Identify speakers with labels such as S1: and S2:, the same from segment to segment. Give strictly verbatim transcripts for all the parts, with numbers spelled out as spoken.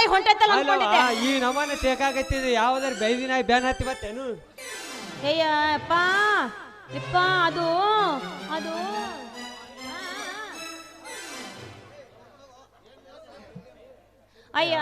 S1: ಕೈ ಹೊಂಟೈತಲ್ಲ ಅನ್ಕೊಂಡಿದ್ದೆ.
S2: ಈ ನಮ್ಮನೆ ತೇಕಾಗತ್ತಿದೆ ಯಾವ್ದಾರ ಬೈದಿನ ಬ್ಯಾನ್ ಹತ್ತಿ ಬತ್ತೇನು?
S1: ಅಯ್ಯ ಅಪ್ಪ ಇಪ್ಪ ಅದು ಅದು ಅಯ್ಯ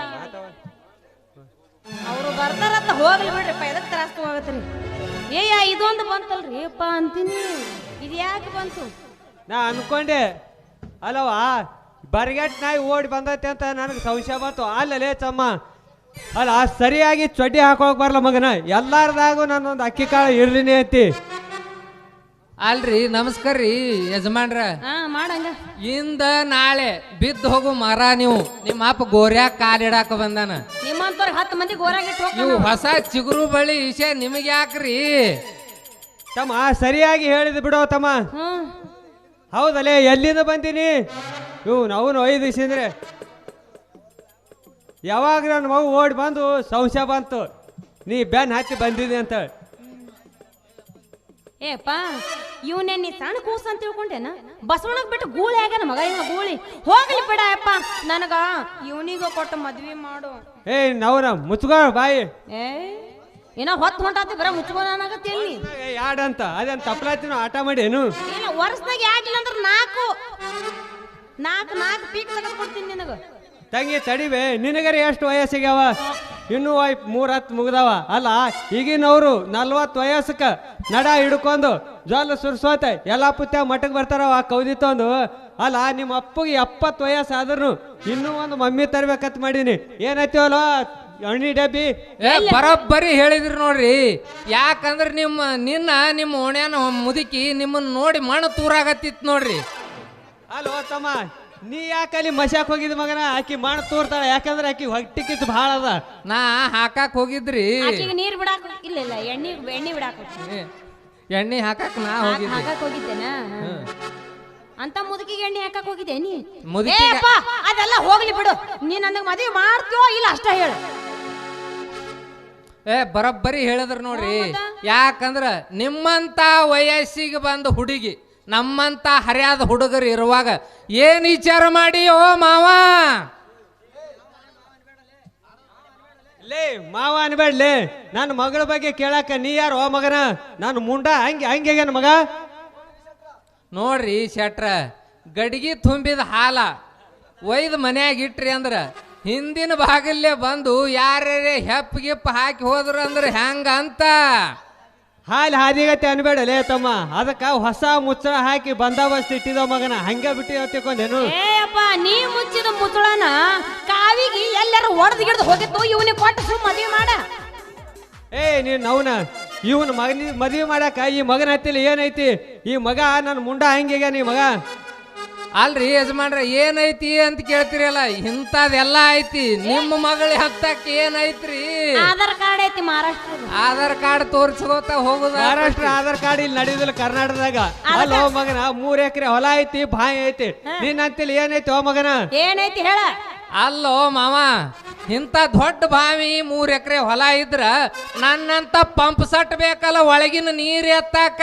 S1: ಅವರು ಬರ್ತಾರಂತ ಹೋಗ್ಲಿ ಬಿಡ್ರಿಪ್ಪ, ಎದಕ್ ತ್ರಾಸ ತಗೋಗತ್ರಿ. ಏಯ್ಯ ಇದೊಂದು ಬಂತಲ್ರಿ ಅಪ್ಪ ಅಂತೀನಿ, ಇದು ಯಾಕೆ ಬಂತು?
S2: ನಾ ಅನ್ಕೊಂಡೆ ಅಲ್ಲವಾ ಬರ್ಗೆಟ್ ನಾಯಿ ಓಡಿ ಬಂದೈತೆ ಅಂತ ನನಗೆ ಸಂಶಯ ಬಂತು. ಅಲ್ಲಲೇ ಚಮ್ಮ ಅಲ್ಲ ಸರಿಯಾಗಿ ಚೊಡ್ಡಿ ಹಾಕೋಕ್ ಬರಲ್ಲ ಮಗನ, ಎಲ್ಲಾರ್ದಾಗೂ ನಾನೊಂದು ಅಕ್ಕಿ ಕಾಳು ಇರ್ಲಿನಿ ಐತಿ.
S3: ಅಲ್ರಿ ನಮಸ್ಕಾರ ರೀ ಯಜಮಾನ್ರ.
S1: ಹಾ ಮಾಡಂಗ
S3: ಇಂದ ನಾಳೆ ಬಿದ್ದು ಹೋಗು ಮರ ನೀವು. ನಿಮ್ಮ ಅಪ್ಪ ಗೋರ್ಯಾಗ ಕಾಲಿಡಾಕ ಬಂದಾನ.
S1: ನಿಮ್ಮಂತವ್ರಿಗೆ ಹತ್ತು ಮಂದಿ ಗೋರಾಗಿಟ್ಟು
S3: ನೀವು ಹೊಸ ಚಿಗುರು ಬಳಿ ವಿಷಯ ನಿಮಗೆ ಯಾಕ್ರಿ?
S2: ತಮ್ಮ ಸರಿಯಾಗಿ ಹೇಳಿದ್ ಬಿಡೋ ತಮ್ಮ.
S1: ಹ್ಮ್
S2: ಹೌದಲ್ಲೇ ಎಲ್ಲಿಂದ ಬಂದೀನಿ? ಇವು ನಾವು ಐದು ದಿವಸ ಅಂದ್ರೆ ಯಾವಾಗ ನನ್ನ ಮಗು ಓಡಿ ಬಂದು ಸಂಶಯ ಬಂತು ನೀ ಬ್ಯಾನ್ ಹತ್ತಿ ಬಂದಿದೆ ಅಂತ.
S1: ಏಪ್ಪ ಇವನೇ ನೀ ಸಣ್ಣ ಕೂಸ ಅಂತ ತಿಳ್ಕೊಂಡೇನ? ಬಸವಣ್ಣಗ್ ಬಿಟ್ಟು ಗೂಳಿ ಆಗ್ಯಾನ ಮಗ ಇವ ಗೂಳಿ. ಹೋಗ್ಲಿ ಬಿಡ ಅಪ್ಪ, ನನಗ ಇವನಿಗ ಕೊಟ್ಟು ಮದ್ವಿ ಮಾಡು.
S2: ಏ ನವ್ರ ಮುಚ್ಕೋ ಬಾಯಿ.
S1: ಏ ಏನೋ ಹೊತ್ತು ಹೊಂಟಾತಿ ಬರ ಮುಚ್ಕೋನಾಗತ್ತೆ ಎಲ್ಲಿ
S2: ಯಾಡಂತ ಅದೇನು ತಪ್ಪಲಾತಿನ ಆಟ ಮಾಡಿ ಏನು?
S1: ಇಲ್ಲ ವರ್ಷದಾಗ ಯಾಕಿಲ್ಲ ಅಂದ್ರೆ ನಾಲ್ಕು ನಾಲ್ಕು ನಾಲ್ಕು ಪೀಕ್ ತೆಗೆದು ಕೊಡ್ತೀನಿ ನಿನಗ.
S2: ತಂಗಿ ತಡಿವೆ, ನಿನಗರೆ ಎಷ್ಟು ವಯಸ್ಸಿಗ್ಯಾವ? ಇನ್ನೂ ವೈ ಮೂರ್ ಹತ್ತು ಮುಗ್ದಾವ ಅಲ್ಲ. ಈಗಿನವ್ರು ನಲ್ವತ್ತು ವಯಸ್ಸಕ್ಕ ನಡ ಹಿಡ್ಕೊಂಡು ಜ್ವಾಲ ಸುರ್ಸೋತ ಎಲ್ಲ ಪುತ್ಯ ಮಠಕ್ಕೆ ಬರ್ತಾರವ ಕೌದಿ ತಂದು. ಅಲ್ಲ ನಿಮ್ಮ ಅಪ್ಪಗೆ ಎಪ್ಪತ್ತು ವಯಸ್ಸು ಆದ್ರೂ ಇನ್ನೂ ಒಂದು ಮಮ್ಮಿ ತರ್ಬೇಕಂತ ಮಾಡೀನಿ. ಏನೈತಿವಲ್ಲ ಎಣ್ಣಿ ಡಬ್ಬಿ.
S3: ಏ ಬರೋಬ್ಬರಿ ಹೇಳಿದ್ರಿ ನೋಡ್ರಿ. ಯಾಕಂದ್ರೆ ನಿಮ್ಮ ನಿನ್ನ ನಿಮ್ಮ ಓಣ್ಯಾನ ಮುದುಕಿ ನಿಮ್ಮನ್ನ ನೋಡಿ ಮಣ್ಣು ತೂರಾಗತ್ತಿತ್ತು ನೋಡ್ರಿ.
S2: ಅಲ್ವ ತಮ್ಮ, ನೀ ಯಾಕೆ ಅಲ್ಲಿ ಮಶಾಕ್ ಹೋಗಿದ್ ಮಗನ? ಆಕಿ ಮಾಡ ತೋರ್ತಾಳ, ಯಾಕಂದ್ರೆ ಆಕಿ ಹೊಟ್ಟಿ ಕಿತ್ತು ಭಾಳ ಅದ.
S3: ನಾ ಹಾಕಾಕ್ ಹೋಗಿದ್ರಿ.
S1: ಆಕಿಗೆ ನೀರ್ ಬಿಡಾಕ ಇಲ್ಲ ಇಲ್ಲ ಎಣ್ಣೆ ಎಣ್ಣೆ ಬಿಡಾಕ
S3: ಎಣ್ಣೆ ಹಾಕಾಕ್ ನಾ ಹೋಗಿದ್ರಿ.
S1: ಹಾಕಕ್ ಹೋಗಿದ್ದೇನಾ? ಅಂತ ಮುದುಕಿಗೆ ಎಣ್ಣೆ ಹಾಕಕ್ ಹೋಗಿದ್ದೆ ನೀ?
S3: ಮುದುಕಿ
S1: ಅದೆಲ್ಲ ಹೋಗ್ಲಿ ಬಿಡು. ನೀ ನನಗೆ ಮದುವೆ ಮಾಡ್ತೀವೋ ಇಲ್ಲ ಅಷ್ಟ ಹೇಳು.
S3: ಏ ಬರೋಬ್ಬರಿ ಹೇಳಿದ್ರ ನೋಡ್ರಿ. ಯಾಕಂದ್ರ ನಿಮ್ಮಂತ ವಯಸ್ಸಿಗೆ ಬಂದ ಹುಡುಗಿ ನಮ್ಮಂತ ಹರಿಯಾದ ಹುಡುಗರು ಇರುವಾಗ ಏನ್ ವಿಚಾರ ಮಾಡಿ ಓ ಮಾವ?
S2: ಲೇ ಮಾವ ಅನ್ಬೇಡ್ಲೇ, ನನ್ನ ಮಗಳ ಬಗ್ಗೆ ಕೇಳಾಕ ನೀ ಯಾರು ಓ ಮಗನ? ನಾನು ಮುಂಡ ಹಂಗೆ ಹಂಗೆ ಮಗ.
S3: ನೋಡ್ರಿ ಶೆಟ್ರ, ಗಡಿಗೆ ತುಂಬಿದ ಹಾಲ ಒಯ್ದು ಮನ್ಯಾಗ ಇಟ್ರಿ ಅಂದ್ರ ಹಿಂದಿನ ಭಾಗಲ್ಲೇ ಬಂದು ಯಾರ್ಯಾರೇ ಹೆಪ್ಪ ಗಿಪ್ಪ ಹಾಕಿ ಹೋದ್ರು ಅಂದ್ರೆ ಹೆಂಗ ಅಂತ
S2: ಹಾಲು ಹಾದಿಗತ್ತೆ ಅನ್ಬೇಡಲೇ ತಮ್ಮ. ಅದಕ್ಕ ಹೊಸ ಮುಚ್ಚಳ ಹಾಕಿ ಬಂದೋಬಸ್ತ್ ಇಟ್ಟಿದವ ಮಗನ, ಹಂಗೆ ಬಿಟ್ಟು ತಿಳ್ಕೊಂಡೇನು?
S1: ಏಪ್ಪ ನೀ ಮುಚ್ಚಿದ ಮುಚ್ಚಳನ ಕಾವಿಗೆ ಎಲ್ಲಾರು ಒಡೆದು ಗಿಡ್ದು ಹೋಗಿತ್ತು, ಇವನಿಗೆ ಕೊಟ್ಟು ಸುಮ್ ಮದುವೆ ಮಾಡ.
S2: ಏ ನೀನ್ ಅವನ ಇವನ್ ಮಗನ ಮದುವೆ ಮಾಡಾಕ ಈ ಮಗನ ಹತ್ತಿಲ್ಲ ಏನೈತಿ? ಈ ಮಗ ನನ್ನ ಮುಂಡ ಹಂಗೆ ನೀ ಮಗ.
S3: ಅಲ್ರಿ ಯಜಮಾನ್ರ ಏನೈತಿ ಅಂತ ಕೇಳ್ತಿರಲ್ಲ, ಇಂಥದೆಲ್ಲ ಐತಿ. ನಿಮ್ಮ ಮಗಳ ಹತ್ತಕ್ಕೆ ಏನೈತ್ರಿ?
S1: ಆಧಾರ್ ಕಾರ್ಡ್ ಐತಿ ಮಹಾರಾಷ್ಟ್ರ.
S3: ಆಧಾರ್ ಕಾರ್ಡ್ ತೋರ್ಸ್ಕೋತ ಹೋಗುದ.
S2: ಮಹಾರಾಷ್ಟ್ರ ಆಧಾರ್ ಕಾರ್ಡ್ ಇಲ್ಲಿ ನಡೆಯುದಿಲ್ಲ ಕರ್ನಾಟಕದಾಗ. ಅಲ್ಲ ಓ ಮಗನ, ಮೂರ್ ಎಕರೆ ಹೊಲ ಐತಿ, ಬಾಯಿ ಐತಿ. ನಿನ್ ಅಂತಿಲ್ಲ ಏನೈತಿ ಓ ಮಗನ?
S1: ಏನೈತಿ ಹೇಳ?
S3: ಅಲ್ಲೋ ಮಾವ, ಇಂಥ ದೊಡ್ಡ ಬಾವಿ ಮೂರ್ ಎಕರೆ ಹೊಲ ಇದ್ರ ನನ್ನಂತ ಪಂಪ್ ಸಟ್ ಬೇಕಲ್ಲ ಒಳಗಿನ ನೀರ್ ಎತ್ತಾಕ.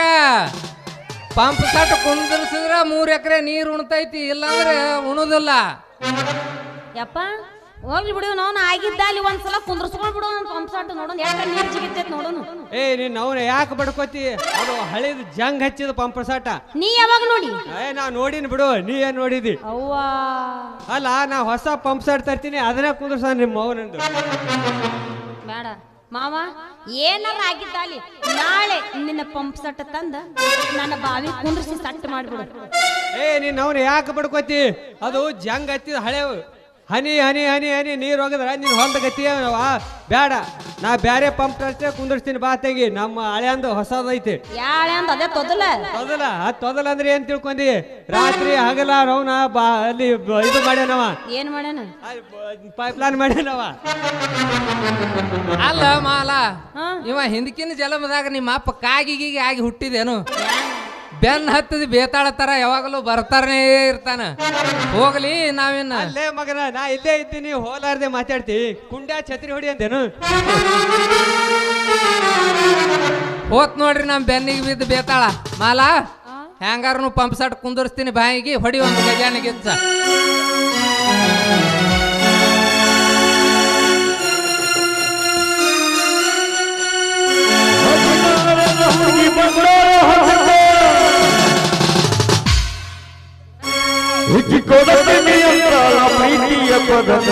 S3: ಪಂಪ್ ಸಟ್ ಕುಂದಿರ್ಸಿದ್ರ ಮೂರ್ ಎಕರೆ ನೀರ್ ಉಣ್ತೈತಿ, ಇಲ್ಲಾಂದ್ರೆ ಉಣುದಿಲ್ಲ.
S1: ಯಪ್ಪ ಹೋಗ್ಲಿ ಬಿಡು, ನಾವು ಆಗಿದ್ದ ಅಲ್ಲಿ ಒಂದ್ಸಲ ಕುಂದ್ರಸ್ಕೊಂಡ್ ಬಿಡು ಪಂಪ್ ಸಟ್ ನೋಡೋಣ ಯಾಕೆ ನೀರ್ ಜಿಗಿತೈತಿ ನೋಡೋಣ.
S2: ಏ ನೀನ್ ಅವನ ಯಾಕೆ ಬಡ್ಕೋತಿ? ಅದು ಹಳಿದ ಜಂಗ್ ಹಚ್ಚಿದ ಪಂಪ್ ಸಟ.
S1: ನೀ ಯಾವಾಗ ನೋಡಿ?
S2: ಏ ನಾ ನೋಡಿನ ಬಿಡು, ನೀ ಏನ್ ನೋಡಿದಿ?
S1: ಅವ್ವಾ
S2: ಅಲ್ಲ ನಾ ಹೊಸ ಪಂಪ್ ಸಟ್ ತರ್ತೀನಿ, ಅದನ್ನ ಕುಂದ್ರಸ ನಿಮ್ಮ ಮೌನಂದು.
S1: ಬೇಡ ಮಾವ, ಏನಾರ ಆಗಿದ್ದ ಅಲ್ಲಿ ನಾಳೆ ನಿನ್ನ ಪಂಪ್ ಸಟ್ ತಂದ ನನ್ನ ಬಾವಿ ಕುಂದ್ರಿಸಿ ಸಟ್ ಮಾಡ್ಬಿಡು.
S2: ಏ ನೀನ್ ಅವನು ಯಾಕೆ ಬಡ್ಕೋತಿ? ಅದು ಜಂಗ್ ಹಚ್ಚಿದ ಹಳೆ ಹನಿ ಹನಿ ಹನಿ ಹನಿ ನೀರು ಹೋಗದ್ರ ನೀನ್ ಹೊಂದ ಗತಿ ಬೇಡ. ನಾ ಬ್ಯಾರೆ ಪಂಪ್ ಅಷ್ಟೇ ಕುಂದಿರ್ಸ್ತೀನಿ ಬಾ ತೆಗಿ. ನಮ್ಮ ಹಳೆ ಅಂದು ಹೊಸದೈತಿ.
S1: ಯಾಳೆ ಅಂದ ಅದೇ ತೊದಲ
S2: ತೊದಲ ಅದ್ ತೊದಲ ಅಂದ್ರೆ ಏನ್ ತಿಳ್ಕೊಂಡಿ? ರಾತ್ರಿ ಹಗಲ ರೌನ ಬಾ ಅಲ್ಲಿ ಇದು ಮಾಡ್ಯಾನವ.
S1: ಏನ್ ಮಾಡ್ಯಾನ?
S2: ಪೈಪ್ ಲೈನ್ ಮಾಡ್ಯಾನವ.
S3: ಅಲ್ಲ ಮಾಲ, ಇವ ಹಿಂದಕಿನ ಜಲಮದಾಗ ನಿಮ್ಮ ಅಪ್ಪ ಕಾಗಿಗಿಗೆ ಆಗಿ ಹುಟ್ಟಿದೇನು? ಬೆನ್ ಹತ್ತದ ಬೇತಾಳ ತರ ಯಾವಾಗಲೂ ಬರ್ತಾರನೇ ಇರ್ತಾನ. ಹೋಗ್ಲಿ ನಾವಿನ್ನ
S2: ಅಲ್ಲೇ ಮಗನ, ನಾ ಇಲ್ಲೇ ಇದ್ದೀನಿ, ಹೋಲಾರ್ದೆ ಮಾತಾಡ್ತಿ. ಕುಂಡ್ಯಾ ಛತ್ರಿ ಹೊಡಿ ಅಂತೇನು?
S3: ಹೋತ್ ನೋಡ್ರಿ ನಮ್ ಬೆನ್ನಿಗೆ ಬಿದ್ದು ಬೇತಾಳ. ಮಾಲ ಹೆಂಗಾರನು ಪಂಪ್ ಸಟ್ ಕುಂದರ್ಸ್ತೀನಿ, ಬಾಯಿಗೆ ಹೊಡಿ ಒಂದು ಗಜಾನಿಗಿಚ್ಚ.
S4: ಉಜ್ಜಿ ಕೊಡತೀನಿ ಅಂತಾಳ ಪ್ರೀತಿಯ ಪದಕ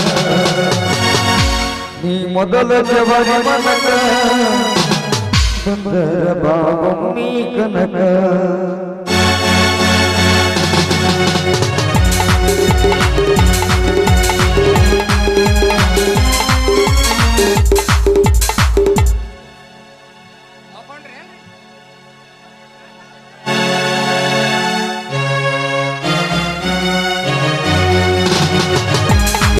S4: ನೀ ಮೊದಲ ಜವಾರಿ ಮನಕ ಬಂದರ ಬಾಬಮ್ಮಿ ಕನಕ